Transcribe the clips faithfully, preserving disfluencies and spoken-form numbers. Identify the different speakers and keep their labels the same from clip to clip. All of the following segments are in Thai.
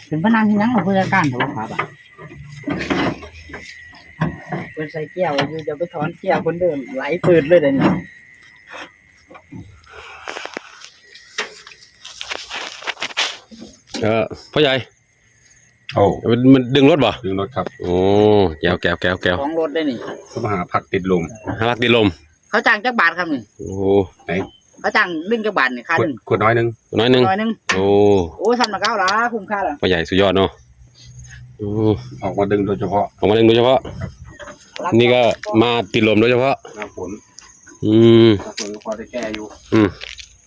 Speaker 1: เป็นพนันที่นั่งของผู้จัดการเขาครับอ่ะเป็นใส่เกี่ยวอยู่จะไปถอนเกี่ยวคนเดิมไหลปืนเลยเดี๋ยวนี้
Speaker 2: เออพ่อใหญ่
Speaker 3: โอ้
Speaker 2: มันมันดึงรถบ่
Speaker 3: ดึงรถครับ
Speaker 2: โอ้แก้วแก้วแก้วแก้ว
Speaker 1: ของรถได้นี่
Speaker 3: เขามาหาผักติดลม
Speaker 2: หาพักติดลม
Speaker 1: เขาจ้างจักบาทครับนี่
Speaker 2: โอ้
Speaker 3: ไหน
Speaker 1: เขาจ้างดึงจักบาทนี่ค่าดึง
Speaker 3: ขวดน้อยนึง
Speaker 2: น้อยนึง
Speaker 1: น้อยนึง
Speaker 2: โอ้
Speaker 1: โอ้ทำมาเก้าละคุ้มค่าละ
Speaker 2: พ่อใหญ่สุดยอดเนาะโอ้
Speaker 3: ออกมาดึงโดยเฉพาะ
Speaker 2: ออกมาดึงโดยเฉพาะนี่ก็มาติดลมโดยเฉพาะ
Speaker 3: หน้าฝน
Speaker 2: อืม
Speaker 3: หน้าฝนพอได้แก้อยู่
Speaker 2: อืม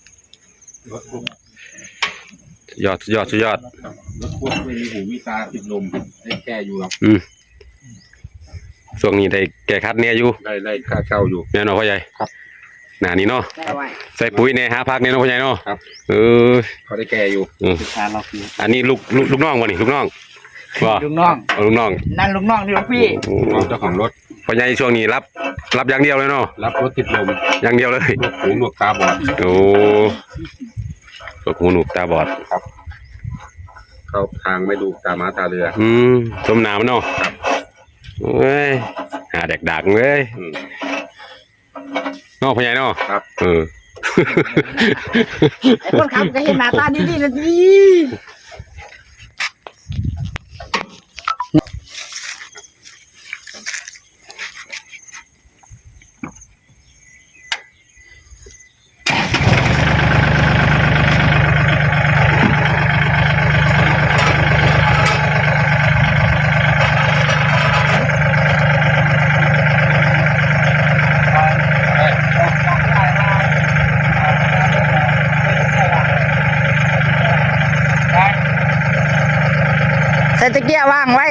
Speaker 2: ยอดยอดสุดยอด
Speaker 3: รถพวกไม่มีหูมีตาติดลมได้แก้อยู่ครับ
Speaker 2: อืมช่วงนี้ได้แก้คัดเนี่ยอยู่
Speaker 3: ได้ได้ค่าเช่าอยู่
Speaker 2: แน่นอนพ่อใหญ่
Speaker 3: ครับ
Speaker 2: หนานี้เนาะใส่ปุ๋ยเนี่ยหาพักเนี่ยเนาะพ่อใหญ่เนาะ
Speaker 3: ครับ
Speaker 2: เออ
Speaker 3: เขาได้แก้อยู่
Speaker 2: อืมอันนี้ลูกลูกลูกน้องวะนี่ลูกน้องว่า
Speaker 1: ลูกน้อง
Speaker 2: ลูกน้อง
Speaker 1: นั่นลูกน้องนี่ลูกพี่
Speaker 3: น้องเจ้าของรถ
Speaker 2: พ่อใหญ่ช่วงนี้รับรับอย่างเดียวเลยเนาะ
Speaker 3: รับรถติดลม
Speaker 2: อย่างเดียวเลย
Speaker 3: หูหนวกตาบอด
Speaker 2: โอ้หูหนวกตาบอด
Speaker 3: ครับเข้าทางไม่ดูตาม้าตาเรือ
Speaker 2: อืมสมน้ำเนาะ
Speaker 3: ครับ
Speaker 2: เอ้ยหาแดกดักเลยนอกพ่อใหญ่เนาะ
Speaker 3: ครับ
Speaker 2: เออ
Speaker 1: ไอ้คนขับก็เห็นหน้าตาดีๆนะดีใส่ตะเกียบวางไว้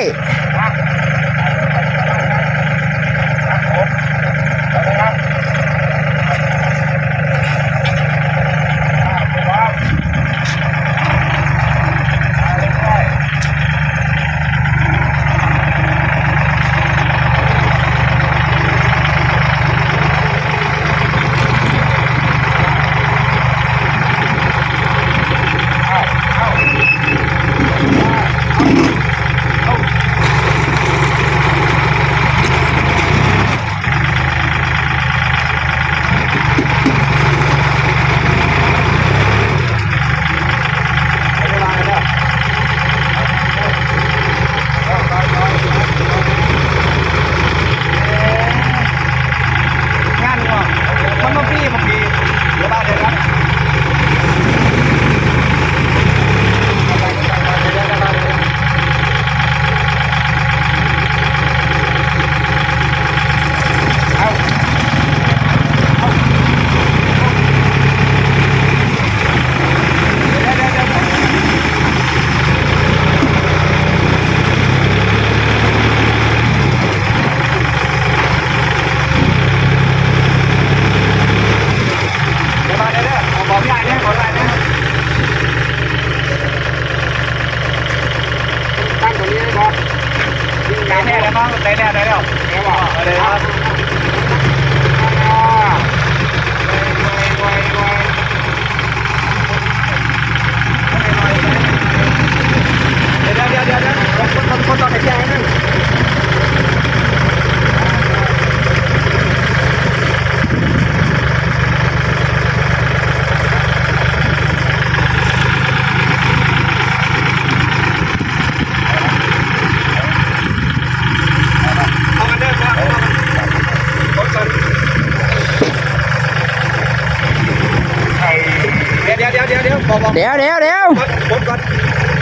Speaker 1: ได้แล้วมั้งได้แล้วได้แล้วได้แล้วได้แล้วเดี๋ยวเดี๋ยวเดี๋ยวเดี๋ยวคนคนคนตอนไหนแจ้งนั่นเดี๋ยวเดี๋ยวเดี๋ยวเดี๋ยวเดี๋ยวเดี๋ยว